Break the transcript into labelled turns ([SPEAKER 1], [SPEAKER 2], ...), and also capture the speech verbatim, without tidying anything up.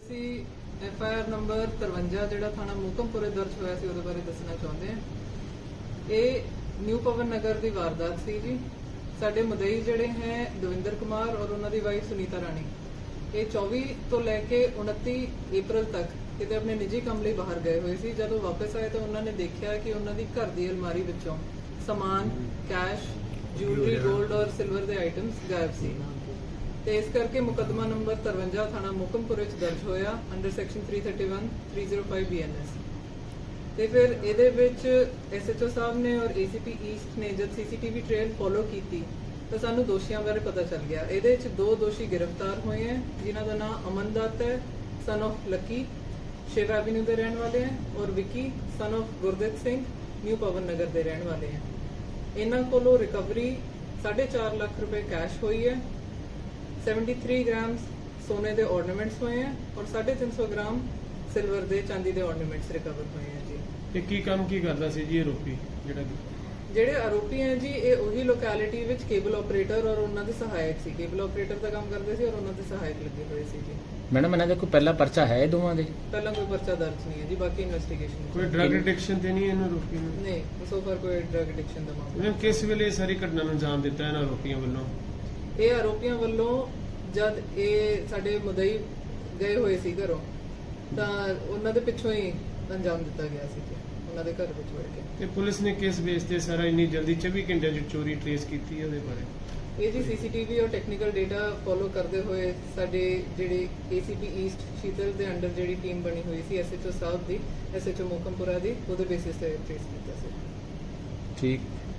[SPEAKER 1] ਅਸੀਂ F I R number तिरवंजा ਜਿਹੜਾ ਥਾਣਾ ਮੋਕਮਪੁਰੇ ਦਰਜ ਹੋਇਆ ਸੀ ਉਹਦੇ ਬਾਰੇ ਦੱਸਣਾ ਚਾਹੁੰਦੇ ਹਾਂ। ਇਹ ਨਿਊ ਪਵਨ ਨਗਰ ਦੀ ਵਾਰਦਾਤ ਸੀ ਜੀ। ਸਾਡੇ ਮੁਦਈ ਜਿਹੜੇ ਹੈ ਦਵਿੰਦਰ ਕੁਮਾਰ ਔਰ ਉਹਨਾਂ ਦੀ ਵਾਈਫ ਸੁਨੀਤਾ ਰਾਣੀ, ਇਹ ਚੌਵੀ ਤੋਂ ਲੈ ਕੇ ਉਨੱਤੀ ਅਪ੍ਰੈਲ ਤੱਕ ਕਿਤੇ ਆਪਣੇ ਨਿੱਜੀ ਕੰਮ ਲਈ ਬਾਹਰ ਗਏ ਹੋਏ ਸੀ। ਜਦੋਂ ਵਾਪਸ ਆਏ ਤਾਂ ਉਹਨਾਂ ਨੇ ਦੇਖਿਆ ਕਿ ਉਹਨਾਂ ਦੀ ਘਰ ਦੀ ਅਲਮਾਰੀ ਵਿੱਚੋਂ ਸਮਾਨ, ਕੈਸ਼, ਜੁਐਲਰੀ, ਗੋਲਡ ਔਰ ਸਿਲਵਰ ਦੇ ਆਈਟਮਸ ਗਾਇਬ ਸੀ ਤੇ ਇਸ ਕਰਕੇ ਮੁਕੱਦਮਾ ਨੰਬਰ तिरवंजा ਥਾਣਾ ਮੋਕਮਪੁਰੇ ਚ ਦਰਜ ਹੋਇਆ ਅੰਡਰ ਸੈਕਸ਼ਨ तीन सौ इकतीस तीन सौ पाँच ਬੀ ਐਨ ਐਸ। ਤੇ ਫਿਰ ਇਹਦੇ ਵਿੱਚ ਐਸ ਐਚ ਓ ਸਾਹਿਬ ਨੇ ਔਰ ਏ ਸੀ ਪੀ ਈਸਟ ਨੇ ਜਦ C C T V trail follow ਕੀਤੀ ਤਾਂ ਸਾਨੂੰ ਦੋਸ਼ੀਆਂ ਬਾਰੇ ਪਤਾ ਚੱਲ ਗਿਆ। ਇਹਦੇ ਵਿੱਚ ਦੋ ਦੋਸ਼ੀ ਗ੍ਰਿਫਤਾਰ ਹੋਏ ਹਨ ਜਿਨ੍ਹਾਂ ਦਾ ਨਾਮ ਅਮਨ ਦੱਤ ਹੈ son of Lucky Shiv avenue ਦੇ ਰਹਿਣ ਵਾਲੇ ਹਨ ਔਰ Vicky son of Gurdev Singh new Pawan Nagar ਦੇ ਰਹਿਣ ਵਾਲੇ ਹਨ। ਇਹਨਾਂ ਕੋਲੋਂ ਰਿਕਵਰੀ साढ़े चार लाख रुपए कैश हुई है, तिहत्तर ग्राम सोने के ऑर्नामेंट्स हुए हैं और साढ़े तीन सौ ग्राम सिल्वर के चांदी के ऑर्नामेंट्स रिकवर हुए हैं जी।
[SPEAKER 2] ये की काम की करता सी जी आरोपी जेड़ा
[SPEAKER 1] ਜਿਹੜੇ ਆਰੋਪੀ ਹੈ ਜੀ ਇਹ ਉਹੀ ਲੋਕੈਲਿਟੀ ਵਿੱਚ ਕੇਬਲ ਆਪਰੇਟਰ ਔਰ ਉਹਨਾਂ ਦੇ ਸਹਾਇਕ ਸੀ। ਕੇਬਲ ਆਪਰੇਟਰ ਦਾ ਕੰਮ ਕਰਦੇ ਸੀ ਔਰ ਉਹਨਾਂ ਦੇ ਸਹਾਇਕ ਲੱਗੇ ਹੋਏ ਸੀ ਜੀ।
[SPEAKER 3] ਮੈਡਮ ਇਹਨਾਂ ਦਾ ਕੋਈ ਪਹਿਲਾ ਪਰਚਾ ਹੈ ਦੋਵਾਂ ਦੇ?
[SPEAKER 1] ਪਹਿਲਾਂ ਕੋਈ ਪਰਚਾ ਦਰਜ ਨਹੀਂ ਹੈ ਜੀ, ਬਾਕੀ ਇਨਵੈਸਟੀਗੇਸ਼ਨ
[SPEAKER 2] कोई ड्रग एडिक्शन ਤੇ ਨਹੀਂ ਇਹਨਾਂ ਆਰੋਪੀ ਨੂੰ?
[SPEAKER 1] ਨਹੀਂ, ਸੋ ਫਾਰ ਕੋਈ ਡਰਗ ਐਡਿਕਸ਼ਨ ਦਾ ਮਾਮਲਾ।
[SPEAKER 2] ਇਹਨਾਂ ਕਿਸ ਵੇਲੇ ਇਹ ਸਾਰੀ ਘਟਨਾ ਨੂੰ ਅੰਜਾਮ ਦਿੱਤਾ ਇਹਨਾਂ ਆਰੋਪੀਆਂ ਵੱਲੋਂ?
[SPEAKER 1] ਇਹ ਆਰੋਪੀਆਂ ਵੱਲੋਂ ਜਦ ਇਹ ਸਾਡੇ ਮੁਦਈ ਗਏ ਹੋਏ ਸੀ ਘਰੋਂ ਤਾਂ ਉਹਨਾਂ ਦੇ ਪਿੱਛੋਂ ਹੀ ਅੰਜਾਮ ਦਿੱਤਾ ਗਿਆ ਸੀ ਜੀ, ਉਹਨਾਂ ਦੇ ਘਰ ਵਿੱਚ ਵੜ ਕੇ।
[SPEAKER 2] ਤੇ ਪੁਲਿਸ ਨੇ ਕਿਸ ਬੇਸ ਤੇ ਸਾਰਾ ਇੰਨੀ ਜਲਦੀ ਚੌਵੀ ਘੰਟਿਆਂ ਚ ਚੋਰੀ ਟ੍ਰੇਸ ਕੀਤੀ ਹੈ ਉਹਦੇ ਬਾਰੇ?
[SPEAKER 1] ਇਹ ਜੀ ਸੀ ਸੀ ਟੀ ਵੀ ਔਰ ਟੈਕਨੀਕਲ ਡੇਟਾ ਫੋਲੋ ਕਰਦੇ ਹੋਏ ਸਾਡੇ ਜਿਹੜੇ ਏ ਸੀ ਪੀ ਈਸਟ ਸ਼ੀਤਲ ਦੇ ਅੰਡਰ ਜਿਹੜੀ ਟੀਮ ਬਣੀ ਹੋਈ ਸੀ ਐਸ ਐਚ ਓ ਸਾਹਿਬ ਦੀ, ਐਸ ਐਚ ਓ ਮੋਕਮਪੁਰਾ ਦੀ, ਉਹਦੇ ਬੇਸਿਸ ਤੇ ਟ੍ਰੇਸ ਕੀਤਾ ਸੀ।
[SPEAKER 3] ਠੀਕ।